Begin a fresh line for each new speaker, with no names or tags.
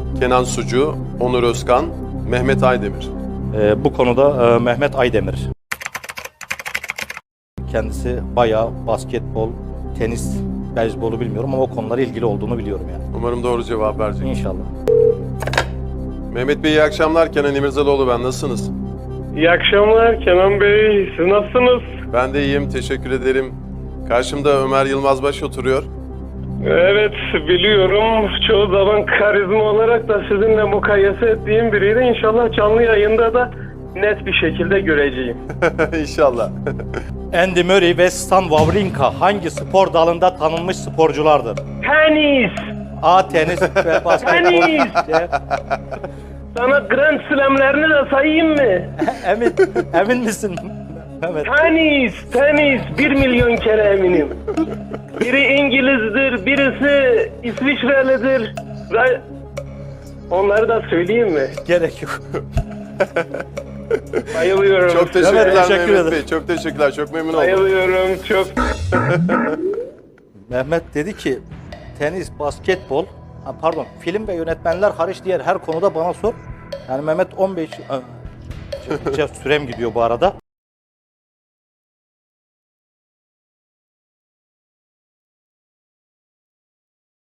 Kenan Sucu, Onur Özkan, Mehmet Aydemir.
Bu konuda Mehmet Aydemir. Kendisi bayağı basketbol, tenis, beyzbolu bilmiyorum ama o konulara ilgili olduğunu biliyorum yani.
Umarım doğru cevap verecek.
İnşallah.
Mehmet Bey iyi akşamlar. Kenan İmirzalıoğlu ben. Nasılsınız?
İyi akşamlar Kenan Bey. Siz nasılsınız?
Ben de iyiyim. Teşekkür ederim. Karşımda Ömer Yılmazbaş oturuyor.
Evet biliyorum. Çoğu zaman karizma olarak da sizinle mukayese ettiğim biriydi. İnşallah canlı yayında da net bir şekilde göreceğim.
İnşallah.
Andy Murray ve Stan Wawrinka hangi spor dalında tanınmış sporculardır?
Tenis!
A. Tenis ve basketbol.
Tenis!
C.
Sana Grand Slam'lerini de sayayım mı?
Emin misin? Evet.
Tenis! 1 milyon kere eminim. Biri İngiliz'dir, birisi İsviçrelidir. Ve onları da söyleyeyim mi?
Gerek yok.
Bayılıyorum.
Çok teşekkürler
Evet, teşekkür
Mehmet
ederim.
Bey. Çok teşekkürler. Çok memnun oldum.
Bayılıyorum çok.
Mehmet dedi ki tenis, basketbol, film ve yönetmenler hariç diğer her konuda bana sor. Yani Mehmet 15 sürem gidiyor bu arada.